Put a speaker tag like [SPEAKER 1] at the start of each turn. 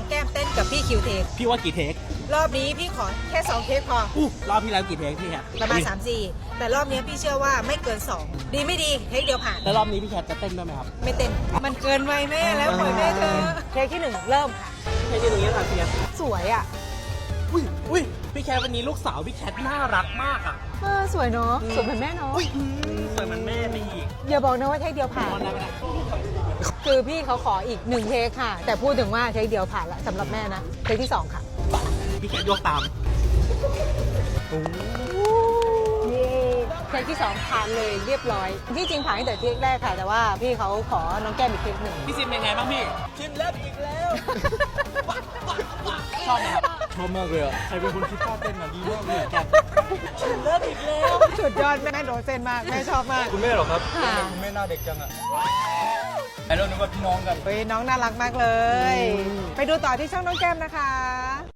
[SPEAKER 1] แก้มเต้นกับพี่คิวเทค
[SPEAKER 2] พี่ว่ากี่เทค
[SPEAKER 1] รอบนี้พี่ขอแค่2เทคพอ
[SPEAKER 2] รอบที่แล้วกี่เทคพี่แคท
[SPEAKER 1] ประมาณ3-4แต่รอบนี้พี่เชื่อว่าไม่เกิน2ดีไม่ดีเทคเดียวผ่าน
[SPEAKER 2] แล้วรอบนี้พี่แคทจะเต้นด้วยไหมครับ
[SPEAKER 1] ไม่เต้นมันเกินวัยแม่แล้วปล่อยแม่เธอเทคที่1เริ่มค่ะ
[SPEAKER 2] เทคที่หนึ่งนี้ค่ะพี่แคท
[SPEAKER 1] สวยอ่ะ
[SPEAKER 2] อุ้ยพี่แคทวันนี้ลูกสาวพี่แคทน่ารักมากอ่ะ
[SPEAKER 1] สวยเนาะสวยเหมือนแม่เนาะ
[SPEAKER 2] สวยเหมือนแม่ไปอีก
[SPEAKER 1] อย่าบอกนะว่าเทคเดียวผ่าน
[SPEAKER 2] นอนได้ไหมนะ
[SPEAKER 1] คือพี่เขาขออีก1เทคค่ะ แต่พูดถึงว่าเทคเดียวผ่านละสำหรับแม่นะเทคที่2ค่ะ
[SPEAKER 2] พี่แคทยกตาม
[SPEAKER 1] เทคที่2ผ่านเลยเรียบร้อยที่จริงผ่านตั้งแต่เทคแรกค่ะ แต่ว่าพี่เขาขอน้องแก้มอีกเทคหนึ่ง
[SPEAKER 2] พี่ซิมเป็นไงบ้างพี่ชิมแล้วอีกแล้วชอบไหมครับชอบมากเลยอ่ะใครเป็นคนคิดท่าเต้นมาดีมากเลยแกชิมแล้วอีกแล้ว
[SPEAKER 1] สุดยอดแม่โดนเส้นมากแม่ชอบมาก
[SPEAKER 3] คุณแม่เหรอครับ
[SPEAKER 1] ค่ะ
[SPEAKER 3] ทำไมคุณแม่หน้าเด็กจังอ่ะไอ้เรานึกว่าพี่น้องกัน
[SPEAKER 1] เฮ้ยน้องน่ารักมากเลย ไปดูต่อที่ช่องน้องแก้มนะคะ